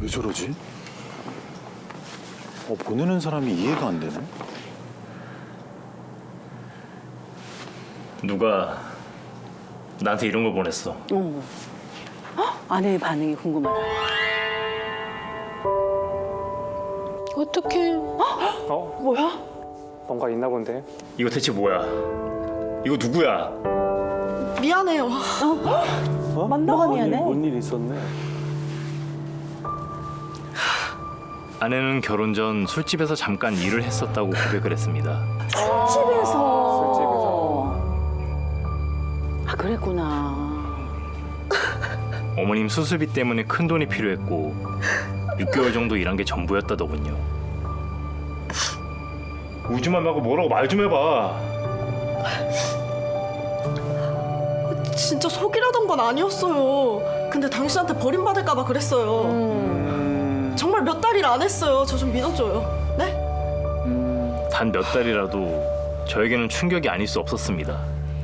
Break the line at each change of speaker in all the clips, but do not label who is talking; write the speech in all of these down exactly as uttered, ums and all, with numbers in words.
왜 저러지? 어, 보내는 사람이 이해가 안 되네.
누가 나한테 이런 걸 보냈어.
어. 헉, 아내의 반응이 궁금하다.
어떡해.
어?
뭐야?
뭔가 있나 본데?
이거 대체 뭐야? 이거 누구야?
미안해요.
어?
뭐가 미안해?
뭔일 있었네.
아내는 결혼 전 술집에서 잠깐 일을 했었다고 고백을 했습니다.
술집에서.
술집에서.
아, 그랬구나.
어머님 수술비 때문에 큰 돈이 필요했고 육 개월 정도 일한 게 전부였다더군요. 우지만 말고 뭐라고 말 좀 해봐.
진짜 속이려던 건 아니었어요. 근데 당신한테 버림받을까 봐 그랬어요.
음.
정말 몇 달 일 안 했어요. 저 좀 믿어줘요. 네?
단 몇 달이라도 저에게는 충격이 아닐 수 없었습니다.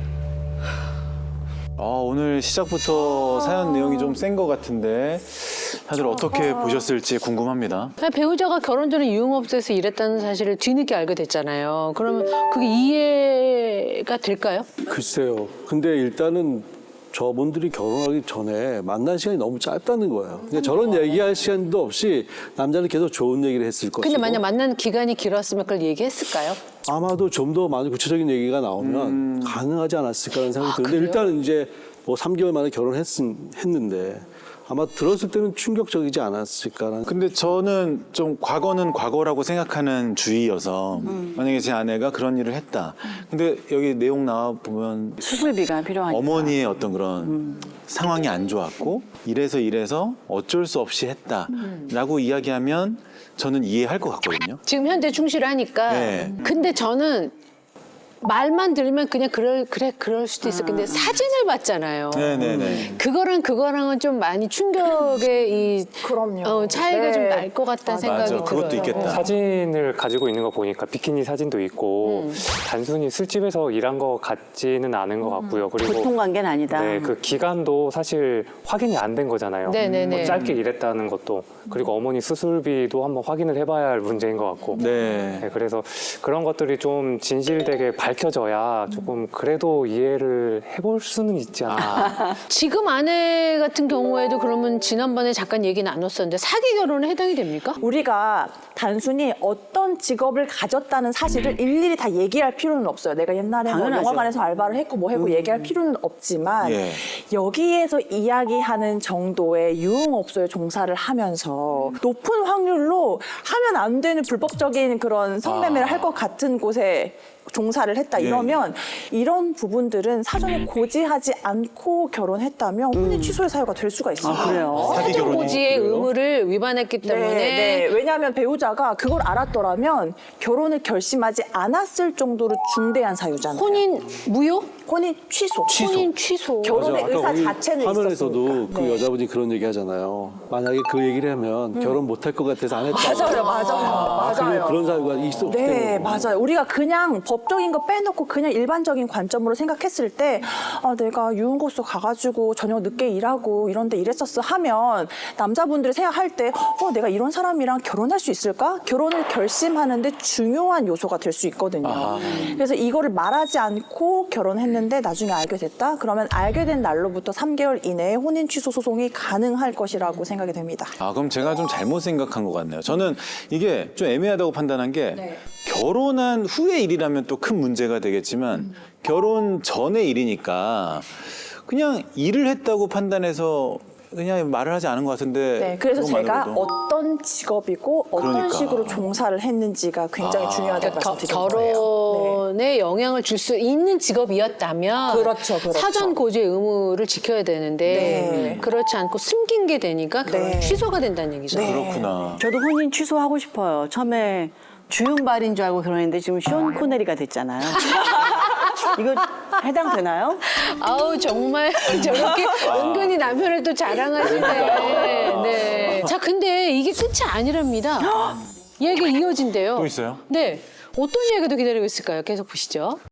아, 오늘 시작부터 사연 내용이 좀 센 것 같은데 다들 어떻게 보셨을지 궁금합니다.
배우자가 결혼 전에 유흥업소에서 일했다는 사실을 뒤늦게 알게 됐잖아요. 그러면 그게 이해가 될까요?
글쎄요. 근데 일단은 저분들이 결혼하기 전에 만난 시간이 너무 짧다는 거예요. 그러니까 저런 얘기할 시간도 없이 남자는 계속 좋은 얘기를 했을 것이고.
근데 만약 만난 기간이 길었으면 그걸 얘기했을까요?
아마도 좀 더 많은 구체적인 얘기가 나오면
음.
가능하지 않았을까라는 생각이
아,
드는데
그래요?
일단은 이제 뭐 삼 개월 만에 결혼했는데 아마 들었을 때는 충격적이지 않았을까라는.
근데 저는 좀 과거는 과거라고 생각하는 주의여서 만약에 제 아내가 그런 일을 했다. 근데 여기 내용 나와 보면
수술비가 필요하니까.
어머니의 어떤 그런 상황이 안 좋았고 이래서 이래서 어쩔 수 없이 했다라고 이야기하면 저는 이해할 것 같거든요.
지금 현재 충실하니까.
네.
근데 저는 말만 들으면 그냥 그럴 그래 그럴 수도 있어. 근데 사진을 봤잖아요.
네네네.
그거랑 그거랑은 좀 많이 충격의 이
그럼요.
어, 차이가
네.
좀 날 것 같다는 생각이
맞아, 그것도
들어요.
있겠다.
사진을 가지고 있는 거 보니까 비키니 사진도 있고
음.
단순히 술집에서 일한 거 같지는 않은 것 같고요. 그리고
보통 관계는 아니다.
네, 그 기간도 사실 확인이 안 된 거잖아요.
네네네.
뭐 짧게 일했다는 것도 그리고 어머니 수술비도 한번 확인을 해봐야 할 문제인 것 같고.
네.
네, 그래서 그런 것들이 좀 진실되게 밝혀져야 조금 그래도 이해를 해볼 수는 있지 않나.
지금 아내 같은 경우에도 그러면 지난번에 잠깐 얘기 나눴었는데 사기 결혼에 해당이 됩니까?
우리가 단순히 어떤 직업을 가졌다는 사실을 일일이 다 얘기할 필요는 없어요. 내가 옛날에 뭐
당연하죠.
영화관에서 알바를 했고 뭐 했고 얘기할 필요는 없지만
예.
여기에서 이야기하는 정도의 유흥업소에 종사를 하면서 높은 확률로 하면 안 되는 불법적인 그런 성매매를 할 것 같은 곳에 종사를 했다
예.
이러면 이런 부분들은 사전에 고지하지 않고 결혼했다면 혼인 취소의 사유가 될 수가 있어요.
아, 그래요?
사기 결혼이
고지의
그래요?
의무를 위반했기 때문에
네, 네. 왜냐하면 배우자가 그걸 알았더라면 결혼을 결심하지 않았을 정도로 중대한 사유잖아요.
혼인 무효?
혼인 취소.
혼인 취소.
결혼의
아까
의사
우리
자체는
화면에서도
있었으니까.
그
네.
여자분이 그런 얘기 하잖아요. 만약에 그 얘기를 하면 결혼 못할 것 같아서 안 했다.
맞아요, 맞아요,
아,
맞아요.
그런, 그런 사유가 있었기
네,
때문에.
맞아요. 우리가 그냥 법적인 거 빼놓고 그냥 일반적인 관점으로 생각했을 때 아, 내가 유흥고수 가가지고 저녁 늦게 일하고 이런데 일했었어 하면 남자분들이 생각할 때 어, 내가 이런 사람이랑 결혼할 수 있을까? 결혼을 결심하는데 중요한 요소가 될 수 있거든요.
아하.
그래서 이거를 말하지 않고 결혼했는데 나중에 알게 됐다? 그러면 알게 된 날로부터 삼 개월 이내에 혼인 취소 소송이 가능할 것이라고 생각이 됩니다.
아, 그럼 제가 좀 잘못 생각한 것 같네요. 저는 이게 좀 애매하다고 판단한 게
네.
결혼한 후의 일이라면 또 큰 문제가 되겠지만
음.
결혼 전의 일이니까 그냥 일을 했다고 판단해서 그냥 말을 하지 않은 것 같은데.
네, 그래서 제가
그것만으로도.
어떤 직업이고 어떤
그러니까.
식으로 종사를 했는지가 굉장히
아.
중요하다고
겨-
말씀드린 거예요.
결혼에 영향을 줄 수 있는 직업이었다면
그렇죠, 그렇죠.
사전 고지의 의무를 지켜야 되는데
네.
그렇지 않고 숨긴 게 되니까 결혼
네.
취소가 된다는 얘기죠.
네.
그렇구나.
저도 혼인 취소하고 싶어요. 처음에 주윤발인 줄 알고 결혼했는데 지금 쇼 코네리가 됐잖아요. 이거 해당되나요?
아우 정말 저렇게 은근히 남편을 또 자랑하시네. 네. 자 근데 이게 끝이 아니랍니다. 얘기 이어진대요.
또 있어요?
네. 어떤 이야기가 더 기다리고 있을까요? 계속 보시죠.